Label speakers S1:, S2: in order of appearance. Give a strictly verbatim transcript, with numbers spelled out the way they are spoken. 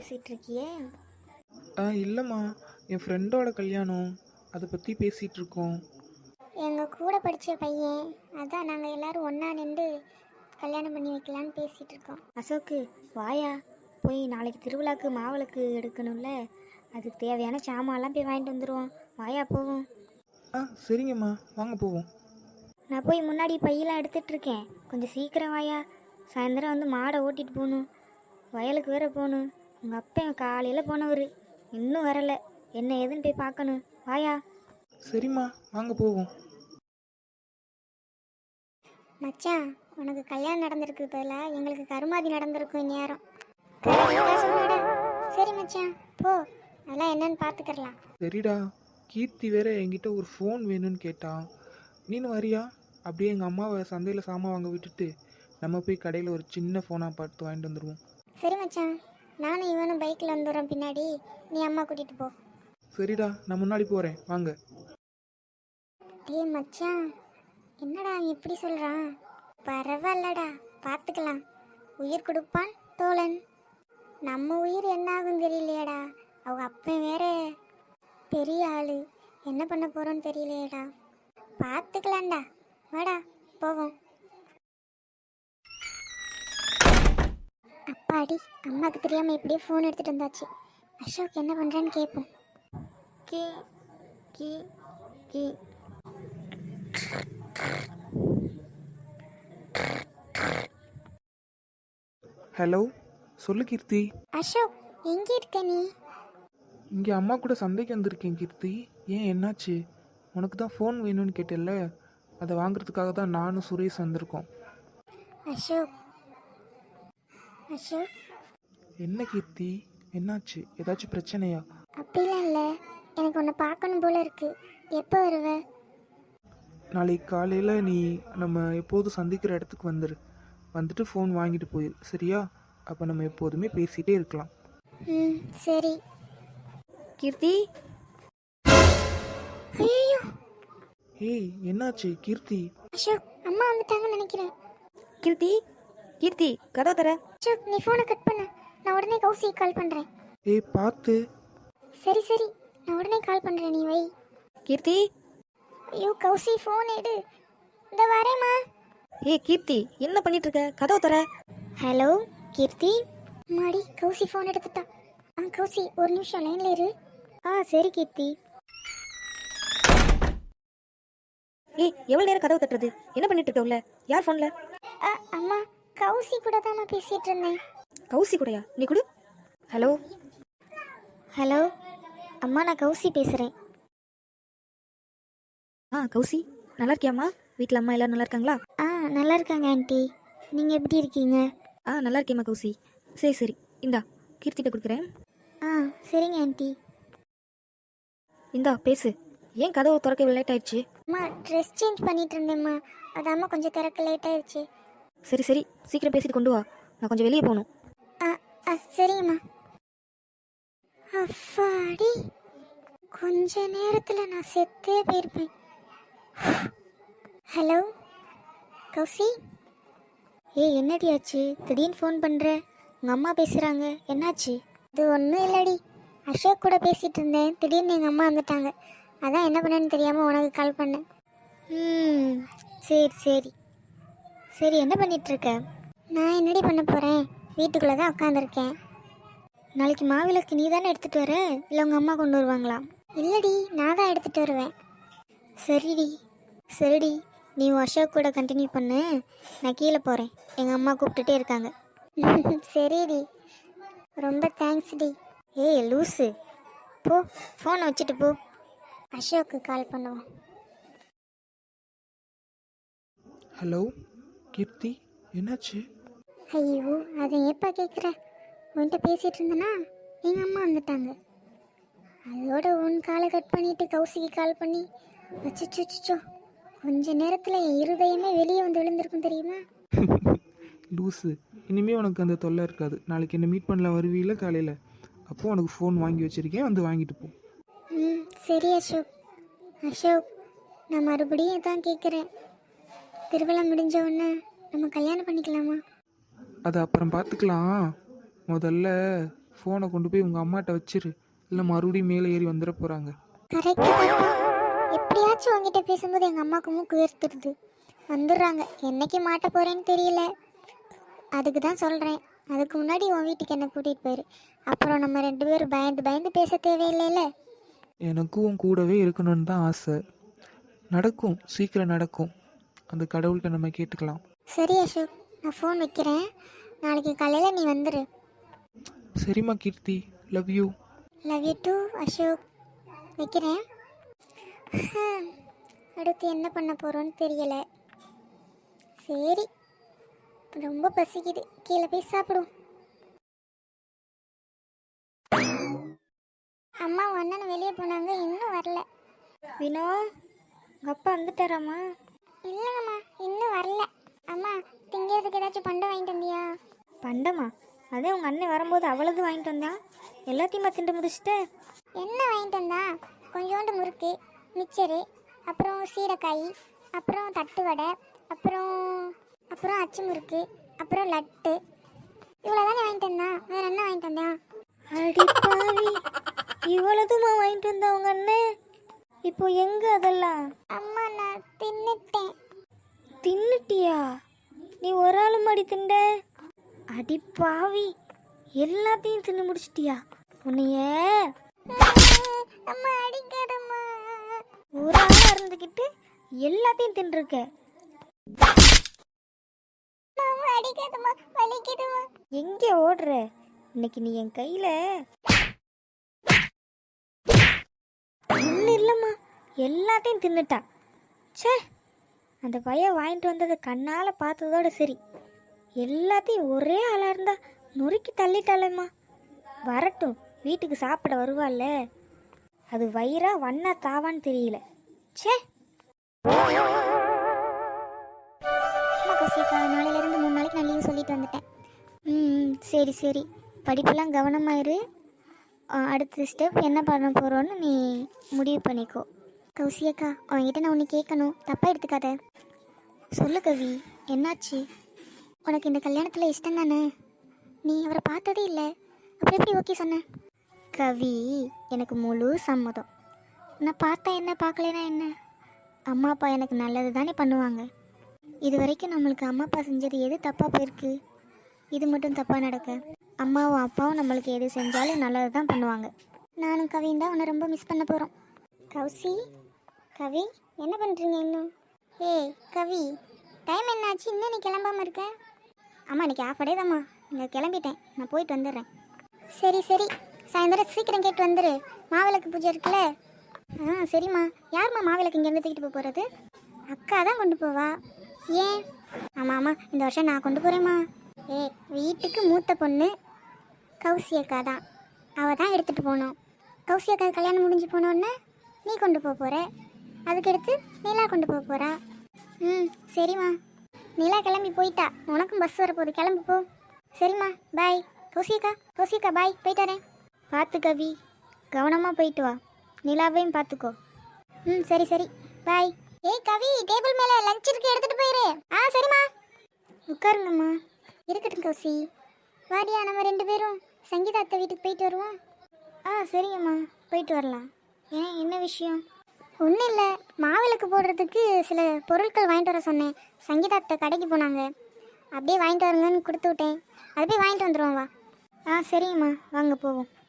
S1: பேசிகிட்டு இருக்கியே?
S2: ஆ இல்லைம்மா, என் ஃப்ரெண்டோட கல்யாணம், அதை பற்றி பேசிகிட்டு இருக்கோம்.
S1: எங்கள் கூட படித்த பையன், அதான் நாங்கள் எல்லோரும் ஒன்றா நின்று கல்யாணம் பண்ணி வைக்கலான்னு பேசிகிட்டு இருக்கோம். அசோக்கு வாயா, போய் நாளைக்கு திருவிழாக்கு மாவிளக்கு எடுக்கணும்ல, அதுக்கு தேவையான சாமான்லாம் போய் வாங்கிட்டு வந்துடுவோம். வாயா போவோம்.
S2: ஆ சரிங்கம்மா, வாங்க போவோம்.
S1: நான் போய் முன்னாடி பையெல்லாம் எடுத்துகிட்ருக்கேன், கொஞ்சம் சீக்கிரம் வாயா. சாயந்தரம் வந்து மாடை ஓட்டிகிட்டு போகணும், வயலுக்கு வேற போகணும். உங்கள் அப்பா காலையில் போனவர் இன்னும் வரலை, என்ன ஏதுன்னு போய் பார்க்கணும். வாயா.
S2: சரிம்மா, வாங்க போவோம்.
S1: மச்சான், உனக்கு கல்யாணம் நடந்திருக்கு பதிலாக எங்களுக்கு கருமாதி நடந்திருக்கும் இந்நேரம். சரி மச்சான் போ, அதெல்லாம் என்னன்னு பார்த்துக்கலாம்.
S2: சரிடா, கீர்த்தி வேற என்கிட்ட ஒரு ஃபோன் வேணும்னு கேட்டான். நீனு வரியா? அப்படியே எங்கள் அம்மாவை சந்தையில் சாமான் வாங்க விட்டுட்டு நம்ம போய் கடையில் ஒரு சின்ன ஃபோனாக பார்த்து வாங்கிட்டு வந்துடுவோம்.
S1: சரி மச்சான், நானும் இவனும் பைக்கில் வந்துடுறோம் பின்னாடி, நீ அம்மா கூட்டிகிட்டு போ.
S2: சரிடா, நான் முன்னாடி போகிறேன், வாங்க.
S1: டேய் மச்சான், என்னடா இப்படி சொல்கிறான்? பரவாயில்லடா, பார்த்துக்கலாம். உயிர் கொடுப்பான் தோழன். நம்ம உயிர் என்ன ஆகும் தெரியலையேடா. அவங்க அப்பா வேற பெரிய ஆளு, என்ன பண்ண போகிறோன்னு தெரியலையேடா. பார்த்துக்கலாம்டா, வாடா போவோம். அப்பாடி, அம்மாவுக்கு தெரியாமல் இப்படியே ஃபோன் எடுத்துகிட்டு வந்தாச்சு. அசோக் என்ன பண்ணுறான்னு கேட்போம். கே கே கே
S2: ஹலோ, சொல்லு கீர்த்தி.
S1: அசோக், எங்கே இருக்க நீ?
S2: இங்கே அம்மா கூட சந்தைக்கு வந்திருக்கேன் கீர்த்தி. ஏன், என்னாச்சு? உனக்கு தான் ஃபோன் வேணும்னு கேட்டேல்ல, அதை வாங்குறதுக்காக தான் நானும் சுரேஷ் வந்திருக்கோம்.
S1: அசோக் அசோக்
S2: என்ன கீர்த்தி, என்னாச்சு? ஏதாச்சும் பிரச்சனையா?
S1: அப்படிலாம் இல்லை, எனக்கு உன்னை பார்க்கணும் போல இருக்கு. எப்போ வருவ?
S2: நாளைக்கு காலையில் நீ நம்ம எப்போதும் சந்திக்கிற இடத்துக்கு வந்துடு. வந்துட்டு ஃபோன் வாங்கிட்டு போயிரு, சரியா? அப்போ நம்ம எப்போதுமே பேசிகிட்டே இருக்கலாம்.
S1: ம் சரி.
S3: கீர்த்தி.
S1: ஐயோ,
S2: ஏய் என்னாச்சு கீர்த்தி?
S1: அசோக், அம்மா வந்துட்டாங்கன்னு நினைக்கிறேன்.
S3: கீர்த்தி கீர்த்தி கதவை தர.
S1: அசோக், நீ ஃபோனை கட் பண்ணு, நான் உடனே கௌசிக்கு கால் பண்ணுறேன்.
S2: ஏய் பார்த்து.
S1: சரி சரி, நான் உடனே கால் பண்ணுறேன், நீ வை.
S3: கீர்த்தி.
S1: ஐயோ கௌசி, ஃபோன் எடு. இந்த வரேம்மா.
S3: ஏய் கீர்த்தி, என்ன பண்ணிட்டு இருக்க? கதவை தர.
S1: ஹலோ கீர்த்தி. மாடி, கௌசி ஃபோன் எடுத்துட்டா. ஆ கௌசி, ஒரு நிமிஷம் லைனில் இரு. ஆ சரி கீர்த்தி.
S3: ஏய், எவ்வளவு நேரம் கதவை தட்டுறது? என்ன பண்ணிட்டு இருக்க உள்ள? யார் ஃபோன்ல?
S1: அ அம்மா, கௌசி கூட தான் நான் பேசிட்டு இருந்தேன்.
S3: கௌசி கூடயா? நீ கொடு. ஹலோ
S1: ஹலோ அம்மா, நான் கௌசி பேசுகிறேன்.
S3: ஆ கௌசி, நல்லா இருக்கியாம்மா? வீட்டில் அம்மா எல்லாரும் நல்லா இருக்காங்களா?
S1: ஆ நல்லா இருக்காங்க ஆண்டி, நீங்கள் எப்படி இருக்கீங்க?
S3: ஆ நல்லா இருக்கேம்மா கௌசி. சரி சரி, இந்தா கீர்த்திட்ட கொடுக்குறேன்.
S1: ஆ சரிங்க ஆண்டி.
S3: இந்தா பேசு. ஏன் கதவை திறக்க இவ்வளோ லேட் ஆயிடுச்சு?
S1: அம்மா, ட்ரெஸ் சேஞ்ச் பண்ணிட்டு இருந்தேம்மா, அதாம்மா கொஞ்சம் திறக்க லேட் ஆயிடுச்சு.
S3: சரி சரி, சீக்கிரம் பேசிட்டு கொண்டு வா, நான் கொஞ்சம் வெளியே போகணும்.
S1: ஆ ஆ சரிங்கம்மா. அப்பாடி, கொஞ்ச நேரத்தில் நான் செத்தே போயிருப்பேன். ஹலோ கௌசி. ஏய் என்னடி ஆச்சு? திடீர்னு ஃபோன் பண்ணுற? உங்கள் அம்மா பேசுகிறாங்க, என்னாச்சு? இது ஒன்றும் இல்லடி, அசோக் கூட பேசிகிட்டு இருந்தேன், திடீர்னு எங்கள் அம்மா வந்துட்டாங்க, அதான் என்ன பண்ணேன்னு தெரியாமல் உனக்கு கால் பண்ணேன். ம் சரி சரி சரி, என்ன பண்ணிகிட்ருக்க? நான் என்னடி பண்ண போகிறேன், வீட்டுக்குள்ளே தான் உட்காந்துருக்கேன். நாளைக்கு மாவிளக்கு நீ தானே எடுத்துகிட்டு வர, இல்லை உங்கள் அம்மா கொண்டு வருவாங்களா? இல்லடி, நான் தான் எடுத்துகிட்டு வருவேன். சரிடி சரிடி, நீ அசோக் கூட கண்டினியூ பண்ணு, நான் கீழே போகிறேன், எங்கள் அம்மா கூப்பிட்டுட்டே இருக்காங்க. சரிடி, ரொம்ப தேங்க்ஸ் டி. ஏய் லூஸு, போ ஃபோனை வச்சுட்டு போ, அசோக்கு கால் பண்ணுவோம்.
S2: ஹலோ கீர்த்தி, என்னாச்சு?
S1: ஐயோ, அதை ஏப்பா கேட்குற? உன்கிட்ட பேசிகிட்டு இருந்தேன்னா எங்கள் அம்மா வந்துட்டாங்க, அதோட உன் காலை கட் பண்ணிவிட்டு கௌசிக்கு கால் பண்ணி வச்சுச்சோ, கொஞ்ச நேரத்தில் என் இருதயமே வெளியே வந்து விழுந்திருக்கும் தெரியுமா?
S2: லூஸு, இனிமேல் உனக்கு அந்த தொல்லை இருக்காது. நாளைக்கு என்ன மீட் பண்ணல வருவீல காலையில், அப்போது உனக்கு ஃபோன் வாங்கி வச்சுருக்கேன், வந்து வாங்கிட்டு போ.
S1: ம் சரி அசோக். அசோக், நான் மறுபடியும் தான் கேட்குறேன், திருவிழா முடிஞ்ச உடனே நம்ம கல்யாணம் பண்ணிக்கலாமா?
S2: அதை அப்புறம் பார்த்துக்கலாம். முதல்ல ஃபோனை கொண்டு போய் உங்கள் அம்மாட்ட வச்சிரு, இல்லை மறுபடியும் மேலே ஏறி வந்துட போகிறாங்க.
S1: கரெக்டு தான்ப்பா. எப்படியாச்சும் உங்ககிட்ட பேசும்போது எங்கள் அம்மாவுக்கு மூக்கு வேர்த்துடுது. வந்துடுறாங்க. என்னைக்கு மாட்ட போகிறேன்னு தெரியல. அதுக்கு தான் சொல்கிறேன், அதுக்கு முன்னாடி உன் வீட்டுக்கு என்னை கூட்டிகிட்டு போயிரு. அப்புறம் நம்ம ரெண்டு பேரும் பயந்து பயந்து பேச தேவையில்லைல்ல.
S2: எனக்கும் உன் கூடவே இருக்கணும்னு தான் ஆசை. நடக்கும், சீக்கிரம் நடக்கும். அந்த கடவுள்கிட்ட நம்ம கேட்டுக்கலாம்.
S1: சரி அசோக், நான் ஃபோன் வைக்கிறேன். நாளைக்கு காலையில் நீ வந்துடு.
S2: சரிம்மா Keerthi, love you.
S1: Love you too Ashok. வைக்கிறேன். அடுத்து என்ன பண்ண போகிறோன்னு தெரியலை. சரி, ரொம்ப பசிக்குது, கீழே போய் சாப்பிடும். அம்மா அண்ணன் வெளியே போனாங்க, இன்னும் வரல.
S3: வினோ, உங்கள் அப்பா வந்துட்டாராம்மா?
S1: இல்லைங்கம்மா, இன்னும் வரல. அம்மா, திங்கிறதுக்கு ஏதாச்சும் பண்டம் வாங்கிட்டு வந்தியா?
S3: பண்டமா? அதே உங்கள் அண்ணன் வரும்போது அவ்வளவு வாங்கிட்டு வந்தான். எல்லாத்தையுமா திண்டு முடிச்சுட்டு?
S1: என்ன வாங்கிட்டு வந்தா? கொஞ்சோண்டு முறுக்கு, மிச்சரு, அப்புறம் சீடைக்காய், அப்புறம் தட்டு வடை, அப்புறம் அப்புறம் அச்சு முறுக்கு, அப்புறம் லட்டு. இவ்வளோ தானே வாங்கிட்டு வந்தான். வேறு என்ன வாங்கிட்டு வந்தான்?
S3: அடி பாவி, இவ்வளவுமா வாங்கிட்டு வந்தா உங்க அண்ணன்? இப்போ எங்க அதெல்லாம்?
S1: அம்மா, நான் தின்னுட்டேன்.
S3: தின்னுட்டியா? நீ ஒரு ஆளு மாடி திண்ட? அடி பாவி, எல்லாத்தையும் தின்னு முடிச்சிட்டியா? உன்னைய
S1: அம்மா அடிக்காதம்மா.
S3: ஒரு ஆளா இருந்துக்கிட்டு எல்லாத்தையும் தின்றுருக்க.
S1: அம்மா அடிக்காதம்மா, வலிக்குதும்மா.
S3: எங்கே ஓடுற? இன்னைக்கு நீ என் கையில ஒன்றும் இல்லைம்மா, எல்லாத்தையும் தின்னுட்டா. ச்சே, அந்த பையன் வாங்கிட்டு வந்ததை கண்ணால் பார்த்ததோட சரி. எல்லாத்தையும் ஒரே ஆளாக இருந்தா நொறுக்கி தள்ளிட்டாளேம்மா. வரட்டும், வீட்டுக்கு சாப்பிட வருவாள்ல, அது வயிறா வண்ணா தாவான்னு தெரியல. ச்சே.
S1: அம்மா கௌசிகா, நாளையிலேருந்து மூணு நாளைக்கு நான் லீவு சொல்லிட்டு வந்துட்டேன். ம் சரி சரி, படிப்பெல்லாம் கவனமாயிரு. ஆ, அடுத்த ஸ்டெப் என்ன பண்ண போகிறோன்னு நீ முடிவு பண்ணிக்கோ. கௌசியக்கா, அவன்கிட்ட நான் ஒன்று கேட்கணும், தப்பாக எடுத்துக்காத. சொல்லு கவி, என்னாச்சு? உனக்கு இந்த கல்யாணத்தில் இஷ்டம் தானே? நீ அவரை பார்த்ததே இல்லை, அப்புறம் எப்படி ஓகே சொன்ன? கவி, எனக்கு முழு சம்மதம். நான் பார்த்தா என்ன, பார்க்கலனா என்ன? அம்மா அப்பா எனக்கு நல்லது தானே பண்ணுவாங்க. இது வரைக்கும் நம்மளுக்கு அம்மா அப்பா செஞ்சது எது தப்பாக போயிருக்கு? இது மட்டும் தப்பாக நடக்க? அம்மாவும் அப்பாவும் நம்மளுக்கு எது செஞ்சாலும் நல்லது தான் பண்ணுவாங்க. நானும் கவியும் தான் உன்னை ரொம்ப மிஸ் பண்ண போகிறோம். கௌசி, கவி, என்ன பண்ணுறீங்க இன்னும்? ஏய் கவி, டைம் என்னாச்சு, இன்னும் நீ கிளம்பாமல் இருக்க? அம்மா, இன்னைக்கு ஆஃப் டே தாம்மா, இங்கே கிளம்பிட்டேன், நான் போயிட்டு வந்துடுறேன். சரி சரி, சாயந்தரம் சீக்கிரம் கேட்டு வந்துடு, மாவிளக்கு பூஜை இருக்குல்ல. ஆ சரிம்மா. யாரும்மா மாவிளக்கு இங்கேருந்து தூக்கிட்டு போக போகிறது? அக்கா தான் கொண்டு போவா. ஏன்? ஆமாம் ஆமாம், இந்த வருஷம் நான் கொண்டு போகிறேம்மா. ஏ, வீட்டுக்கு மூத்த பொண்ணு கௌசி அக்கா தான், அவள் தான் எடுத்துகிட்டு போகணும். கௌசி அக்கா கல்யாணம் முடிஞ்சு போனோடனே நீ கொண்டு போக போகிற, அதுக்கடுத்து நிலா கொண்டு போக போகிறா. ம் சரிம்மா. நிலா கிளம்பி போயிட்டா, உனக்கும் பஸ் வரப்போகுது, கிளம்பி போ. சரிம்மா, பாய். கௌசி அக்கா, கௌசி அக்கா பாய், போயிட்டு வரேன். பார்த்து கவி, கவனமாக போயிட்டு வா. நிலாவையும் பார்த்துக்கோ. ம் சரி சரி, பாய். ஏய் கவி, டேபிள் மேலே லஞ்ச் இருக்கு, எடுத்துகிட்டு போயிரு. ஆ சரிம்மா. உட்காருங்கம்மா. இருக்கட்டும் கௌசி. வாடியா, நம்ம ரெண்டு பேரும் சங்கீதா அத்தை வீட்டுக்கு போயிட்டு வருவோம். ஆ சரிங்கம்மா, போயிட்டு வரலாம். ஏன், என்ன விஷயம்? ஒன்றும் இல்லை, மாவிளக்கு போடுறதுக்கு சில பொருட்கள் வாங்கிட்டு வர சொன்னேன். சங்கீதா அத்தை கடைக்கு போனாங்க, அப்படியே வாங்கிட்டு வருங்கன்னு கொடுத்து விட்டேன். அதை போய் வாங்கிட்டு வந்துடுவோம் வா. ஆ சரிங்கம்மா, வாங்க போவோம்.